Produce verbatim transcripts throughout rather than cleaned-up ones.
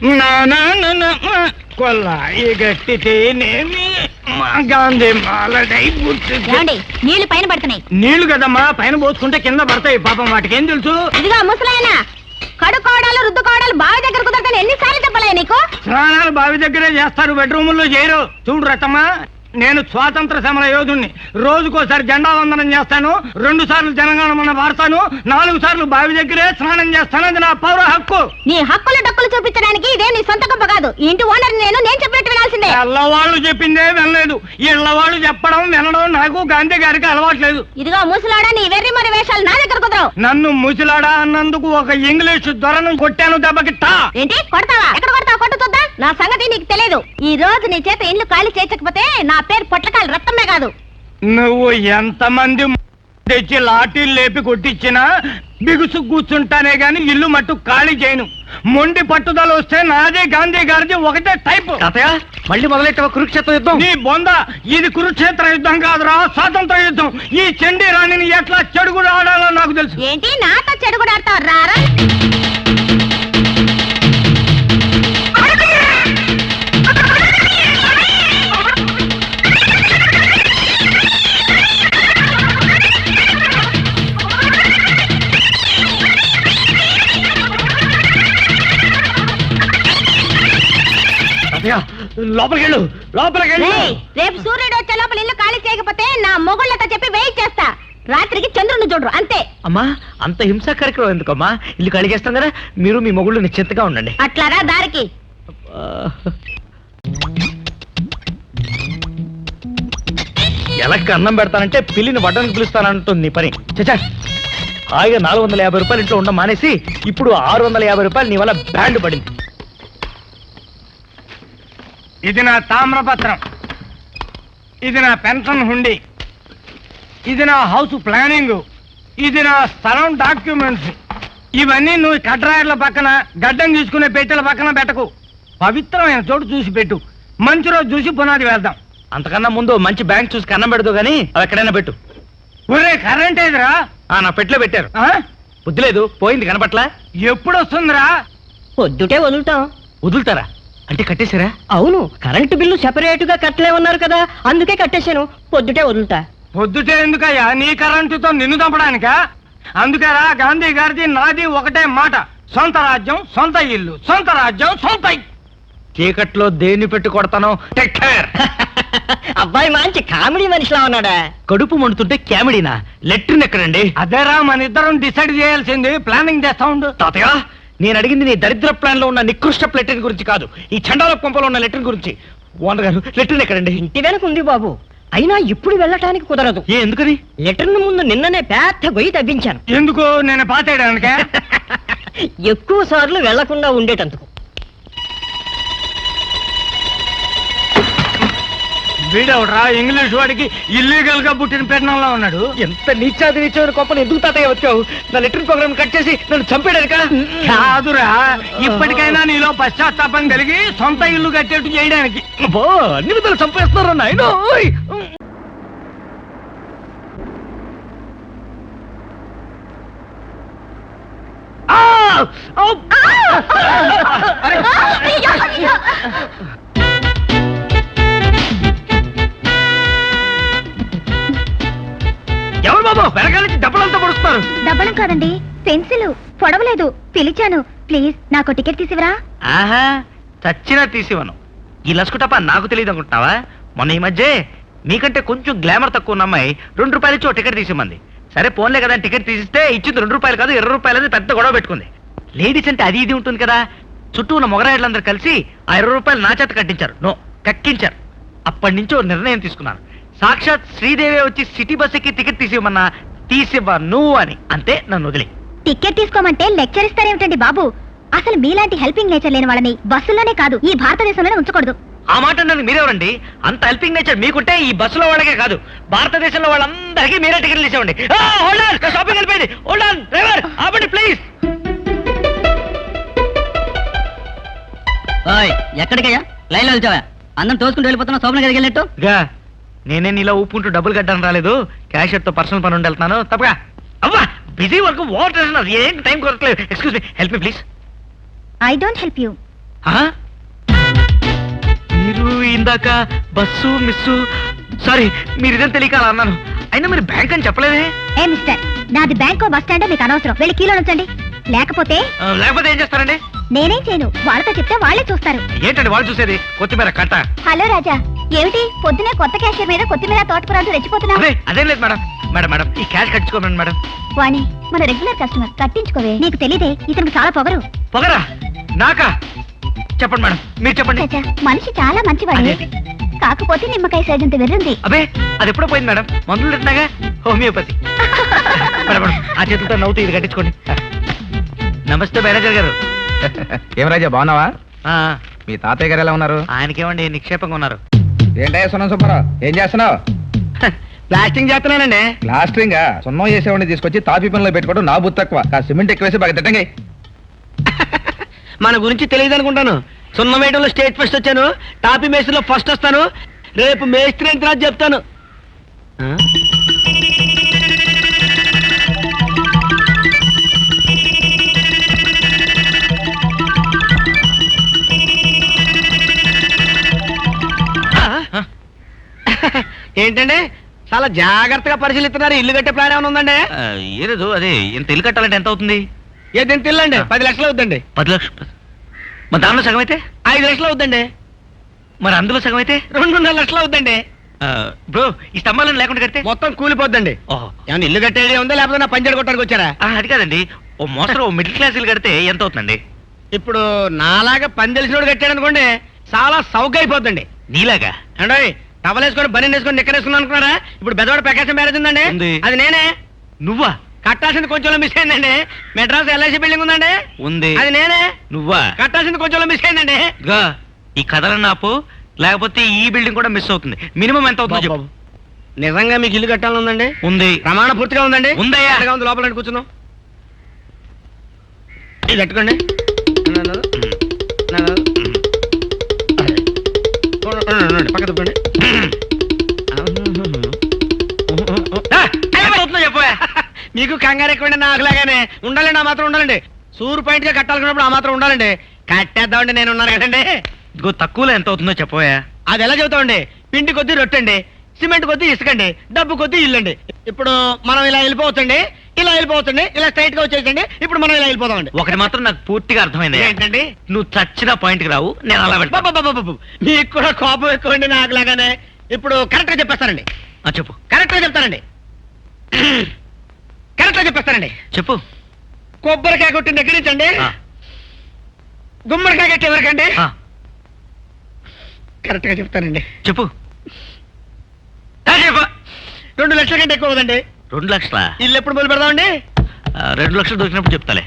కొల్లాయి గట్టితేనేమి గాంధీ మాలడై నీళ్లు పైన పడుతున్నాయి. నీళ్లు కదమ్మా, పైన పోసుకుంటే కింద పడతాయి. పాపం వాటికి ఏం తెలుసు? ఇదిగా ముసలాయన కడుకోవడాలు రుద్దుకోవడాలు బావి దగ్గర కుదరతాను ఎన్నిసార్లు చెప్పలే నీకు? స్నానాలు బావి దగ్గరే చేస్తారు, బెడ్రూముల్లో చేయరు. చూడు రతమ్మా, నేను స్వాతంత్ర సమర యోధుణ్ణి. రోజుకోసారి జెండా వందనం చేస్తాను, రెండు సార్లు జనగణమన వాడతాను, నాలుగు సార్లు బావి దగ్గరే స్నానం చేస్తాను. అది నా పౌర హక్కు. నీ హక్కులు డక్కులు చూపించడానికి ఇదే నీ సొంత గొప్ప కాదు. ఇంటి ఓనర్ నేను నేను చెప్పినట్టు వినాల్సిందే. ఎల్లవాళ్ళు చెప్పిందే వినలేదు. ఇళ్ళవాళ్ళు చెప్పడం వినడం నాకు గాంధీ గారికి అలవాట్లేదు. ఇదిగో ముసలాడా, నీ వెర్రి మరి వేషాలు నా దగ్గర కుదరవు. నన్ను ముసలాడా అన్నందుకు ఒక ఇంగ్లీష్ దొరను కొట్టాను దెబ్బకిట్టా. ఏంటి కొడతావా? ఎక్కడ కొడతావు? కొట్టు చూద్దాం. నా సంగతి నీకు తెలియదు. ఈ రోజు నీ చేత ఇల్లు ఖాళీ చేయకపోతే నా పేరు పొట్లకాయలు రక్తమే కాదు. నువ్వు ఎంతమంది తెచ్చి లాఠీలు లేపి కొట్టించినా బిగుసు కూర్చుంటానే గాని ఇల్లు మట్టు ఖాళీ చేయను. మొండి పట్టుదల వస్తే నాదే గాంధీ గారిది ఒకటే టైప్. మళ్ళీ మొదలెట్టావా కురుక్షేత్ర యుద్ధం? నీ బొంద, ఇది కురుక్షేత్ర యుద్ధం కాదురా, స్వాతంత్ర యుద్ధం. ఈ చండీ రాణిని ఎట్లా చెడుగుడు ఆడాలో నాకు తెలుసు. ఏంటి నాతో చెడుగుడు ఆడతావు? రారా లోపలికెళ్ళు, లోపలికెళ్ళు. రేపు సూర్యుడు వచ్చే లోపల ఇల్లు ఖాళీ చేయకపోతే నా మొగుళ్ళతో చెప్పి వెయిట్ చేస్తా. రాత్రికి చంద్రుని చూడరు అంతే. అమ్మా, అంత హింసా కార్యక్రమం ఎందుకమ్మా? ఇల్లు ఖాళీ చేస్తాం కదా, మీరు మీ మొగుళ్ళు నిశ్చింతగా ఉండండి. అట్లారా దారికి. ఎలక్కి అన్నం పెడతానంటే పిల్లిని వడ్డానికి పిలుస్తానంటుంది నీ పని. చచ్చా, హాయిగా నాలుగు వందల యాభై రూపాయలు ఇంట్లో ఉండడం మానేసి ఇప్పుడు ఆరు వందల యాభై రూపాయలు నీ వల్ల బ్యాండ్ పడింది. ఇది నా తామ్రపత్రం, ఇది నా పెన్షన్ హుండీ, ఇది నా హౌస్ ప్లానింగ్, ఇది నా స్థలం డాక్యుమెంట్స్. ఇవన్నీ నువ్వు కడ్రాయర్ల పక్కన గడ్డం తీసుకునే పెట్టెల పక్కన పెట్టకు. పవిత్రమైన చోటు చూసి పెట్టు. మంచి రోజు చూసి పునాది వేద్దాం. అంతకన్నా ముందు మంచి బ్యాంక్ చూసి కన్నం పెడదు గానీ అవి ఎక్కడైనా పెట్టు. ఒరే కరెంట్ ఏదిరా? నా పెట్లో పెట్టారు. బుద్ధి లేదు, పోయింది కనపట్లా. ఎప్పుడు వస్తుందిరా? పొద్దుటే వదులుతాం. వదులుతారా అంటే కట్టేశారా? అవును, కరెంటు బిల్లు సెపరేట్ గా కట్టలే ఉన్నారు కదా, అందుకే కట్టేశాను. పొద్దుటే వదులుతా. పొద్దుటే ఎందుకయ్యా? నీ కరెంటుతో నిన్ను చంపడానికా? అందుకేరా గాంధీ గారిది నాది ఒకటే మాట, సొంత రాజ్యం సొంత ఇల్లు, సొంత రాజ్యం సొంత. చీకట్లో దేన్ని పెట్టి కొడతాను. Take care. అబ్బాయి మంచి కామెడీ మనిషిలా ఉన్నాడా? కడుపు మండుతుంటే కామెడీనా? లెట్రిన్ ఎక్కడండి? అదేరా మన ఇద్దరం డిసైడ్ చేయాల్సింది. ప్లానింగ్ చేస్తా ఉండు. తాతయ్య, నేను అడిగింది నీ దరిద్ర ప్లాన్ లో ఉన్న నికృష్ట లెట్రిన్ గురించి కాదు, ఈ చండాల పంపలో ఉన్న లెట్రిన్ గురించి. ఓనర్ గారు, లెట్రిన్ ఎక్కడండి? ఇంటి వెనక ఉంది బాబు, అయినా ఇప్పుడు వెళ్ళటానికి కుదరదు. ఏ ఎందుకని? లెటర్ను ముందు నిన్ననే పెద్ద గొయ్యి తవ్వించాను. ఎందుకు? నేను పాతేయడానిక? ఎక్కువ సార్లు వెళ్లకుండా ఉండేటందుకు. వీడవరా ఇంగ్లీష్ వాడికి ఇల్లీగల్ గా పుట్టిన పెట్టడంలో ఉన్నాడు. ఎంత నీచాది నీచమైన కోపం ఎందుకు తాతయ్య వచ్చావు? నా లెటర్ ప్రోగ్రామ్ కట్ చేసి నన్ను చంపేయడానికా? కాదురా, ఇప్పటికైనా నీలో పశ్చాత్తాపం కలిగి సొంత ఇల్లు కట్టేట్టు చేయడానికి. అబ్బో, అన్ని విధాలు చంపేస్తున్నారు నాయన. ఎవరు బాబు వెనకాల నుంచి డబ్బులంతా పొడుస్తున్నారు? డబ్బలం కాదండి, పెన్సిల్ పొడవలేదు. పిలిచాను, ప్లీజ్ నాకు టికెట్ తీసివరా. ఆహా, చచ్చినా తీసివను. ఈ లసుకుటప్ప నాకు తెలియదు అనుకుంటున్నావా? మొన్న ఈ మధ్య మీకంటే కొంచెం గ్లామర్ తక్కువ ఉన్న అమ్మాయి రెండు రూపాయలు ఇచ్చి ఓ టికెట్ తీసిమంది. సరే పోన్లే కదా టికెట్ తీసిస్తే ఇచ్చింది రెండు రూపాయలు కాదు ఇరవై రూపాయలు అని పెద్ద గొడవ పెట్టుకుంది. లేడీస్ అంటే అది ఇది ఉంటుంది కదా, చుట్టూ ఉన్న మొగరాయిలందరూ కలిసి ఆ ఇరవై రూపాయలు నా చేత కట్టించారు. నో, కక్కించారు. అప్పటి నుంచి ఓ నిర్ణయం తీసుకున్నాను. సాక్షాత్ శ్రీదేవి వచ్చి సిటీ బస్ ఎక్కి టికెట్ తీసివ్వమన్నా తీసివ్వను అని. అంతే, నన్ను వదిలి. టికెట్ తీసుకోమంటే లెక్చర్ ఇస్తారేమిటండి బాబు? అసలు మీలాంటి హెల్పింగ్ నేచర్ లేని వాళ్ళని బస్సుల్లోనే కాదు ఈ భారతదేశంలోనే ఉంచకూడదు. ఆ మాట నన్ను మీరెవరండి? అంత హెల్పింగ్ నేచర్ మీకుంటే ఈ బస్సులో వాళ్ళకే కాదు భారతదేశంలో వాళ్ళందరికీ మీరే టికెట్లు తీసేవండి. షాపింగ్ వెళ్ళిపోయింది. హోల్డ్ ఆన్ డ్రైవర్, ఆపండి ప్లీజ్. ఎక్కడికయ్యా? లైన్ లో వెళ్తావా? అందరం తోసుకుంటూ వెళ్ళిపోతున్నా శోభన గదికి వెళ్ళినట్టు. నేనే నీలా ఊపుకుంటూ డబ్బులు కట్టడం రాలేదు, క్యాషియర్ తో పర్సనల్ పని ఉండి వెళ్తాను. తప్పగా అవ్వా, బిజీ వర్క్, వాట్ ఏం టైం కొరట్లేదు. Excuse me, help me please. I don't help you. ఆ? మీరు ఇందాక బస్సు మిస్సు సారీ మీరు ఇదని తెలియక అలా అన్నాను. అయినా మీరు బ్యాంక్ అని చెప్పలేదే. ఏ మిస్టర్, నాది బ్యాంకో బస్ స్టాండో మీకు అనవసరం. వెళ్ళి కీలో ఉంచండి. లేకపోతే ఆ, లేకపోతే ఏం చేస్తారండి? నేనేం చేయను. వాళ్ళతో చెప్తే వాళ్ళే చూస్తారు. ఏంటండి వాళ్ళు చూసేది? కొత్తిమీర కట్ట. హలో రాజా, ఏమిటి పొద్దునే కొత్త క్యాషియర్ మీద కొత్తిమీర తోటకూరతో రెచ్చిపోతున్నావు? అదే అదేం లేదు మేడం. మేడం మేడం ఈ క్యాష్ కట్టించుకోమని మేడం. వాణి మన రెగ్యులర్ కస్టమర్, కట్టించుకోవే. నీకు తెలియదే ఇతనికి చాలా పొగరు. పొగరా నాకా? చెప్పండి మేడం, మీరు చెప్పండి. రాజా, మనిషి చాలా మంచివాడు. అదేంటి? కాకపోతే నిమ్మకాయ సైజంత వెర్రుంది. అబే అది ఎప్పుడో పోయింది మేడం. మందులు తింటున్నాగా హోమియోపతి. మేడం మేడం ఆ చేతులతో నవ్వుతూ ఇది కట్టించుకోండి. నమస్తే మేనేజర్ గారు. ఏం రాజా బాగున్నావా? ఆ, మీ తాతయ్య గారు ఎలా ఉన్నారు? ఆయనకేమండి నిక్షేపంగా ఉన్నారు. ఏంటయ్యా సున్నం సుబ్బారావు, ఏం చేస్తున్నావు? ప్లాస్టింగ్ చేస్తున్నానండి. ప్లాస్టరింగ్ సున్నం చేసేవాడిని తీసుకొచ్చి తాపి పనిలో పెట్టుకోవడం నా బుద్ధి తక్కువ. కాస్త సిమెంట్ ఎక్కువేసి బాగా తిట్టండి. మన గురించి తెలియదు అనుకుంటాను. సున్నం వేయడంలో స్టేట్ ఫస్ట్ వచ్చాను, టాపీ మేస్త్రిలో ఫస్ట్ వస్తాను. రేపు మేస్త్రి ఎంత రాజు చెప్తాను. ఆ? ఆ? ఏంటండి చాలా జాగ్రత్తగా పరిశీలిస్తున్నారు. ఇల్లు కట్టే ప్లాన్ ఏమైనా ఉందండి? ఆ, ఏలేదు అదే ఇంత ఇల్లు కట్టాలంటే ఎంత అవుతుంది? ఏది ఎంత ఇల్లు అండి? పది లక్షలు అవుద్దండి. పది లక్షలు. మరి దానిలో సగం అయితే? ఐదు లక్షలు అవుద్దండి. మరి అందులో సగం అయితే? రెండున్నర లక్షలు అవుద్దండి. బ్రో ఈ స్తంభాలను లేకుండా కడితే? మొత్తం కూలిపోద్దండి. ఓహో ఏమన్నా ఇల్లు కట్టేది ఉందా లేకపోతే నా పంచర్ కొట్టడానికి వచ్చారా? ఆ, అది కాదండి. ఓ మోస్తరు ఓ మిడిల్ క్లాస్ ఇల్లు కడితే ఎంత అవుతుందండి? ఇప్పుడు నాలాగా పని తెలిసినోడు కట్టాడు అనుకోండి, చాలా సౌక అయిపోద్దండి. నీలాగా? అంటే టవల్ వేసుకొని బని వేసుకొని నిక్కరేసుకుని అనుకున్నారా? ఇప్పుడు బెదవాడ ప్రకాశం మ్యారేజ్ ఉందండి. ఉంది. అది నేనే. నువ్వా? కట్టాల్సింది కొంచెం మిస్ అయిందండి. మెడ్రాస్ ఎల్ఐసి బిల్డింగ్ ఉందండి. ఉంది. అది నేనే. నువ్వా? కట్టాల్సింది కొంచెం మిస్ అయిందండి. ఇదిగో, ఈ కథలను ఆపు, లేకపోతే ఈ బిల్డింగ్ కూడా మిస్ అవుతుంది. మినిమం ఎంత అవుతుందో చెప్పు. నిజంగా మీకు ఇల్లు కట్టాలని ఉందండి? ఉంది. ప్రమాణ పూర్తిగా ఉందండి. ఉందయ్యా. ఎంతగా ఉంది లోపల రండి, కూర్చుందాం. ఇది కట్టుకోండి. నన్ను- నన్ను- ఉండండి, ఉండండి, పక్క తిప్పండి. ఆ, ఎంత అవుతుందో చెప్పవే. మీకు కంగారు ఎక్కువండి, నాకులాగానే. ఉండాలండి, ఆ మాత్రం ఉండాలండి. సూర్ పాయింట్ గా కట్టాలనుకున్నప్పుడు ఆ మాత్రం ఉండాలండి. కట్టేద్దామండి, నేను ఉన్నాను కదండి. ఇదిగో తక్కువలో ఎంత అవుతుందో చెప్పవే. అది ఎలా చెబుతామండి? పిండి కొద్దీ రొట్టండి, సిమెంట్ కొద్దీ ఇసుకండి, డబ్బు కొద్దీ ఇల్లండి. ఇప్పుడు మనం ఇలా వెళ్ళిపోవచ్చండి, ఇలా వెళ్ళిపోవచ్చండి, ఇలా స్ట్రైట్ గా వచ్చేసండి. ఇప్పుడు మనం ఇలా వెళ్ళిపోదామండి. ఒకటి మాత్రం నాకు పూర్తిగా అర్థమైంది. ఏంటండి? నువ్వు చచ్చిన పాయింట్ కి రావు, నేను అలా వెళ్తా. బాబా, మీకు కూడా కోపం ఎక్కువండి నాకులాగానే. ఇప్పుడు కరెక్ట్ గా చెప్పేస్తానండి. ఆ, చెప్పు కరెక్ట్ గా చెప్తానండి. కరెక్ట్ గా చెప్పేస్తానండి. చెప్పు. కొబ్బరికాయ కొట్టిన దగ్గర నుంచి అండి, ఆ, గుమ్మడికాయ కట్టే వరకండి. ఆ, కరెక్ట్ గా చెప్తానండి. చెప్పు. ఆ, చెప్పు. రెండు లక్షల కంటే ఎక్కువ కదండి. రెండు లక్షల ఇల్లు ఎప్పుడు మొదలు పెడదామండి? రెండు లక్షలు దొరికినప్పుడు చెప్తాలే.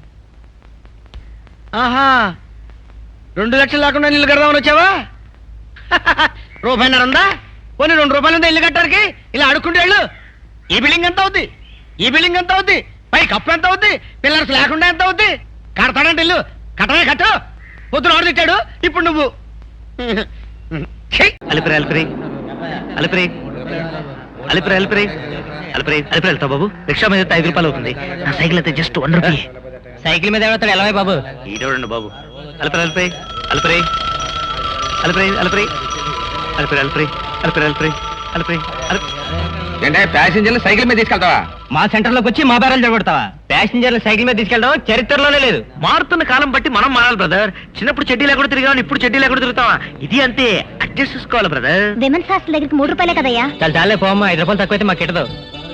ఆహా, రెండు లక్షలు లేకుండా ఇల్లు కడదామని వచ్చావా? రూపాయిన్నర ఉందా? పోనీ రెండు రూపాయలు ఉందా ఇల్లు కట్టడానికి? ఇలా అడుక్కుంటే వెళ్ళు. ఈ బిల్డింగ్ ఎంత అవుద్ది? ఈ బిల్డింగ్ ఎంత అవుద్ది? పై కప్పు ఎంత అవుద్ది? పిల్లర్స్ లేకుండా ఎంత అవుద్ది? కడతాడంటే ఇల్లు కట్టనే కట్టు. పొద్దున ఆడు తిట్టాడు, ఇప్పుడు నువ్వు. ఛీ! అలిపిరి అలిపిరి అలిపిరి అలిపిరి అలిపిరి అలిపిరి అలిపిరి వెళ్తావు బాబు. రిక్షా మీద అయితే ఐదు రూపాయలు అవుతుంది. నా సైకిల్ అయితే జస్ట్ వన్ రూపీ. సైకిల్ మీద ఎవడతాడు ఎలా బాబు? ఈ చూడండి బాబు. అలిపిరి అలిపిరి అలిపిరి అలిపిరి అలిపిరి అలిపిరి అలిపిరి అలిపిరి అలిపిరి అలిపిరి అలిపిరి ఏంటే ప్యాసింజర్లు సైకిల్ మీద తీసుకెళ్తావా? మా సెంటర్ లోకి వచ్చి మా బేరాలు జరగొడతావా? ప్యాసింజర్లు సైకిల్ మీద తీసుకెళ్ళడం చరిత్రలోనే లేదు. మారుతున్న కాలం బట్టి మనం మారాలి బ్రదర్. చిన్నప్పుడు చెడ్డీ లేకుండా తిరిగాం, ఇప్పుడు చెడ్డీ లేకుండా తిరుగుతావా? ఇది అంతే, అడ్జస్ట్ చేసుకోవాలి బ్రదర్. విమెన్స్ హాస్టల్ దగ్గరికి మూడు రూపాయలే కదయ్యా. చాలా చాలే పోమ్మా, ఐదు రూపాయలు తక్కువైతే మాకు కిట్టదు.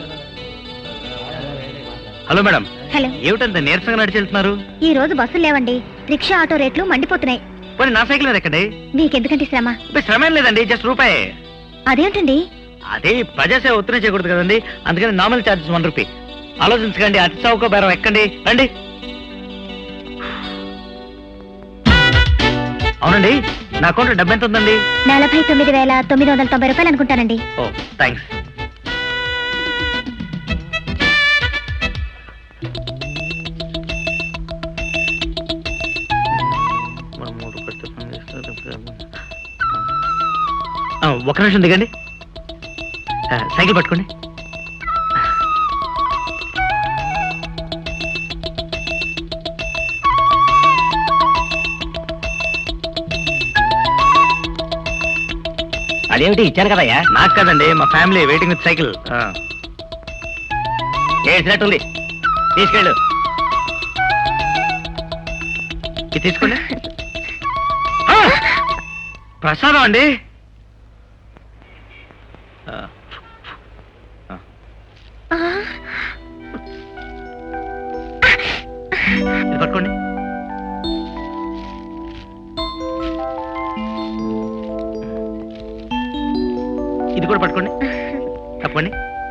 హలో మేడం, హలో, ఏమిటంత నీరసంగా నడిచి వెళ్తున్నారు? ఈ రోజు బస్సులు లేవండి. రిక్షా ఆటో రేట్లు మండిపోతున్నాయి. పోనీ నా సైకిల్ మీద ఎక్కండి. మీకెందుకంటే శ్రమ? అబ్బే, శ్రమ ఏం లేదండి, జస్ట్ రూపాయి. అదేంటండి? అదే ప్రజాసేవ ఒత్తిడి చేయకూడదు కదండి, అందుకని నార్మల్ ఛార్జెస్ వన్ రూపీ. ఆలోచించకండి, అతి చౌక బేరం ఎక్కండి, రండి. అవునండి, నా అకౌంట్లో డబ్బు ఎంత ఉందండి? నలభై తొమ్మిది వేల తొమ్మిది వందల తొంభై రూపాయలు అనుకుంటానండి. Oh thanks. ఆ, ఒక నిమిషం దిగండి. ఆ, సైకిల్ పట్టుకోండి. అదేమిటి ఇచ్చాను కదయ్యా. నాకు కదండి, మా ఫ్యామిలీ వెయిటింగ్ విత్ సైకిల్. ఏసినట్టుంది, తీసుకెళ్ళు. ఇది తీసుకోండి. ఆ! ప్రసాదం అండి. ఆ. ఆ. ఇది పట్టుకోండి. ఇది కూడా పట్టుకోండి. తప్పండి.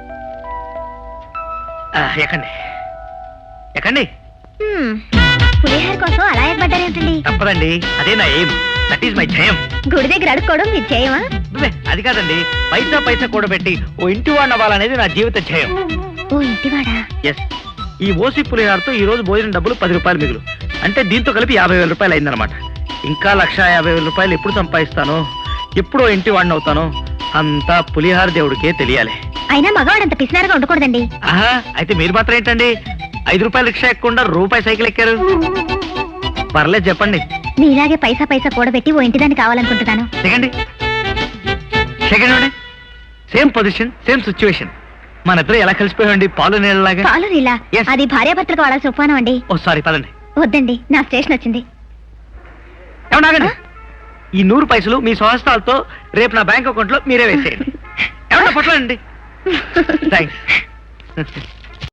ఎక్కండి ఎక్కండి. హ్మ్. పులిహార కోసం అలా ఏర్పడ్డారేంటండి? తప్పదండి, అదే నా ఎయిమ్. దట్ ఈస్ మై జయం. గుడి దగ్గర అడుక్కోవడం మీ జయమా? అబ్బే, అది కాదండి, పైసా పైసా కూడబెట్టి ఓ ఇంటి వాడిని అవ్వాలనేది నా జీవిత జయం. ఓ ఇంటివాడా? ఎస్. ఈ ఓసి పులిహారతో ఈ రోజు భోజనం డబ్బులు పది రూపాయలు మిగులు, అంటే దీంతో కలిపి యాభై వేల రూపాయలు అయిందనమాట. ఇంకా లక్ష యాభై వేల రూపాయలు ఎప్పుడు సంపాదిస్తానో, ఎప్పుడో ఇంటి వాడిని అవుతానో అంతా పులిహార దేవుడికే తెలియాలి. అయినా మగవాడంత పిసినారుగా ఉండకూడదండి. ఆహా, అయితే మీరు మాత్రం ఏంటండి ఐదు రూపాయలు రిక్షా ఎక్కకుండా రూపాయి సైకిల్ ఎక్కారు? పర్లేదు, చెప్పండి. మీలాగే పైసా పైసా కూడబెట్టి ఓ ఇంటిదాన్ని కావాలనుకుంటున్నాను. Second second same position, same situation. మన ఇద్దరు ఎలా కలిసిపోయామండి, పాలు నీళ్ళలాగా. పాలు నీలా? Yes. అది భార్యాభర్తలకు వాడాల్సిన ఉపమానం అండి. ఓ సారీ, పదండి. వద్దండి, నా స్టేషన్ వచ్చింది. ఏమన్నాగండి, ఈ నూరు పైసలు మీ స్వహస్తాలతో రేపు నా బ్యాంక్ అకౌంట్ లో మీరే వేసేయండి. ఏమన్నా పట్లండి. థ్యాంక్స్.